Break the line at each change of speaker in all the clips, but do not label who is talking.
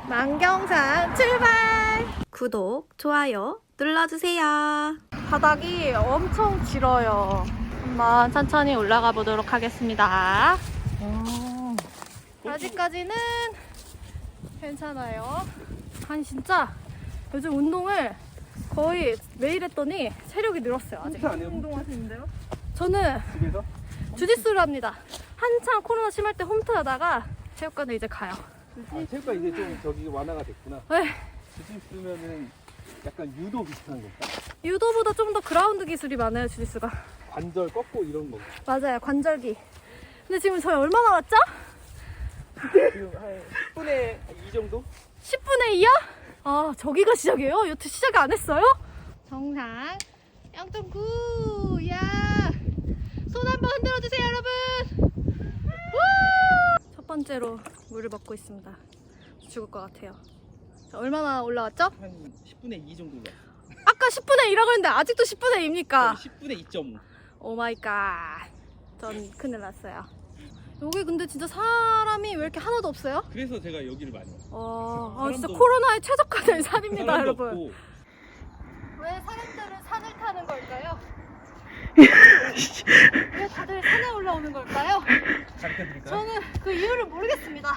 만경산 출발! 구독, 좋아요 눌러주세요. 바닥이 엄청 길어요. 한번 천천히 올라가 보도록 하겠습니다. 아직까지는 괜찮아요. 아니 진짜 요즘 운동을 거의 매일 했더니 체력이 늘었어요. 아직
운동하시는데요?
저는
집에서?
주짓수를 합니다. 한창 코로나 심할 때 홈트 하다가 체육관에 이제 가요.
아, 체육관 이제 좀 저기 완화가 됐구나.
네.
주짓수면은 약간 유도 비슷한 건가?
유도보다 좀 더 그라운드 기술이 많아요, 주짓수가.
관절 꺾고 이런 거.
맞아요, 관절기. 근데 지금 저희 얼마 남았죠?
지금 한 10분에 2 정도?
10분의 2요? 아, 저기가 시작이에요? 여태 시작 안 했어요? 정상 0.9. 야, 손 한번 흔들어주세요, 여러분. 우! 첫 번째로 물을 먹고 있습니다. 죽을 것 같아요. 자, 얼마나 올라왔죠?
한 10분에 2 정도 올라.
아까 10분의 2라고 했는데 아직도 10분의 2입니까?
10분에 2.5.
오 마이 갓. 전 큰일 났어요. 여기 근데 진짜 사람이 왜 이렇게 하나도 없어요?
그래서 제가 여기를 많이 와요.
아, 진짜
사람도-
코로나에 최적화된 산입니다,
사람도
여러분.
없고.
왜 사람들은 산을 타는 걸까요? 왜 다들 산에 올라오는 걸까요?
가르쳐드릴까요?
저는 그 이유를 모르겠습니다.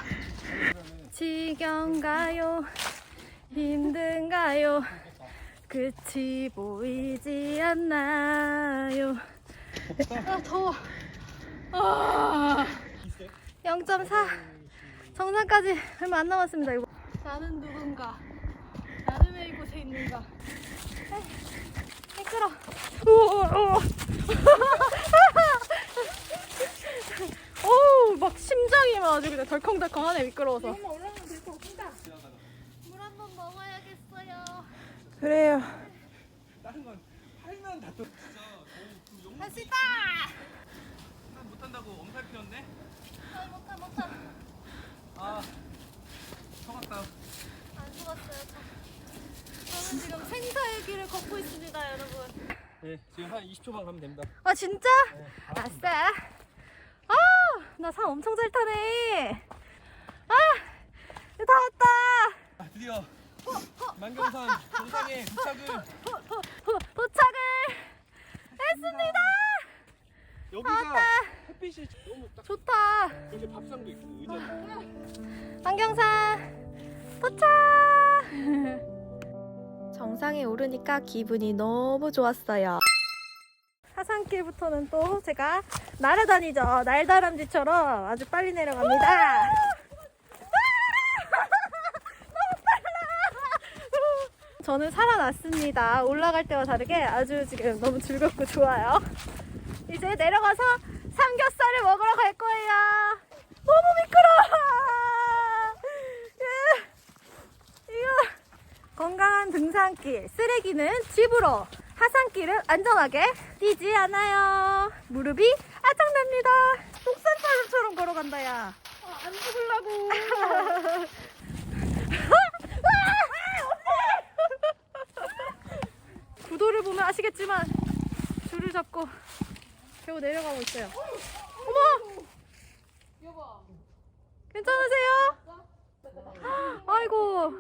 지겨운가요? 힘든가요? 끝이 보이지 않나요? 아, 더워. 0.4 정상까지 얼마 안 남았습니다. 이거. 나는 누군가? 나는 왜 이곳에 있는가? 미끄러. 오, 막 심장이 막 아주 그냥 덜컹덜컹하네, 미끄러워서. 물 한 번 먹어야겠어요. 그래요.
다른 건 팔면 다 또. 진짜
할 수 있다.
난 못한다고 엄살 피웠네.
아, 못하.
아, 속았다.
안 죽었어요. 저는 지금 생사의 길을 걷고 있습니다, 여러분.
네, 지금 한 20초만 가면 됩니다.
아, 진짜?
네,
아싸. 아, 나 산 엄청 잘 타네. 아, 다 왔다.
아, 드디어 만경산 정상에 도착을.
도착을 했습니다.
여기가
왔다.
햇빛이 너무 딱.
좋다.
여기 밥상도 있고 의자.
안경산 도착. 정상에 오르니까 기분이 너무 좋았어요. 하산길부터는 또 제가 날아다니죠. 날다람쥐처럼 아주 빨리 내려갑니다. 너무 빨라. 저는 살아났습니다. 올라갈 때와 다르게 아주 지금 너무 즐겁고 좋아요. 이제 내려가서 삼겹살을 먹으러 갈 거예요. 너무 미끄러워. 이거 건강한 등산길, 쓰레기는 집으로, 하산길은 안전하게 뛰지 않아요. 무릎이 아작납니다. 독산사람처럼 걸어간다, 야. 안 죽으려고. 구도를 보면 아시겠지만 줄을 잡고 겨우 내려가고 있어요. 어머! 괜찮으세요? 아이고.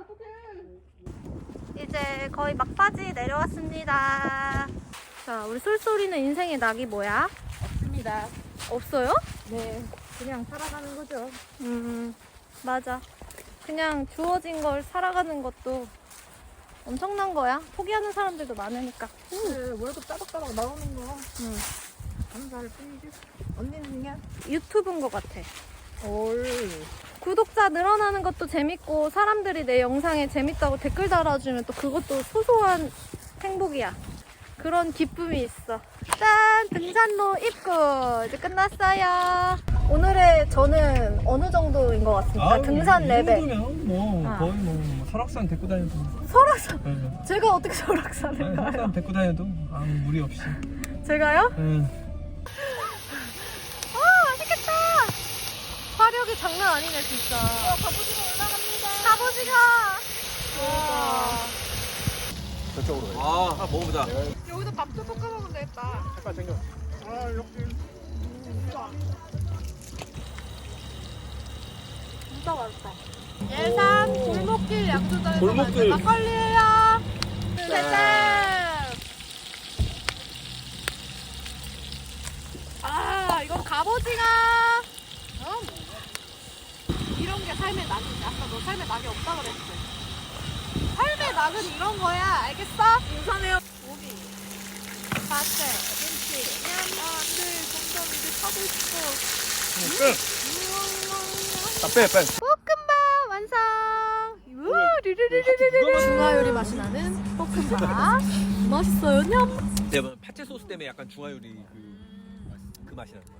이제 거의 막바지 내려왔습니다. 자, 우리 솔솔이는 인생의 낙이 뭐야?
없습니다.
없어요?
네, 그냥 살아가는 거죠.
맞아. 그냥 주어진 걸 살아가는 것도 엄청난 거야. 포기하는 사람들도 많으니까.
네, 월급 따박따박 나오는 거
음.
감사할 뿐이지. 언니는 그냥
유튜브인 것 같아.
올.
구독자 늘어나는 것도 재밌고 사람들이 내 영상에 재밌다고 댓글 달아주면 또 그것도 소소한 행복이야. 그런 기쁨이 있어. 짠! 등산로 입구 이제 끝났어요. 오늘의 저는 어느 정도인 것 같습니까? 등산 레벨.
뭐
아.
거의 뭐 설악산 데리고 다녀도.
설악산.
네.
제가 어떻게 설악산을
아니,
가요?
설악산 데리고 다녀도 아무 무리 없이.
제가요?
네.
맛있겠다. 화력이 장난 아니네 진짜. 갑오징어 올라갑니다. 갑오징어.
저쪽으로 가요. 아, 먹어보자.
여기서 밥도 볶아 먹으면 되겠다.
색깔 챙겨. 아, 이렇게.
진짜 맛있다. 예산 골목
골목길.
막걸리예요. 셋. 아, 이건 갑오징어. 이런 게 삶의 낙이지. 아까 너 삶의 낙이 없다 그랬지. 삶의 낙은 이런 거야. 알겠어? 인사네요. 고기, 파채, 김치, 냠. 안돼, 정답 이제 사고 싶어.
빼.
볶음밥 완성. 우, 르르르르르르. 중화 요리 맛이 나는 볶음밥. 맛있어요, 냠.
내가 파채 소스 때문에 약간 중화 요리 그 맛이 나.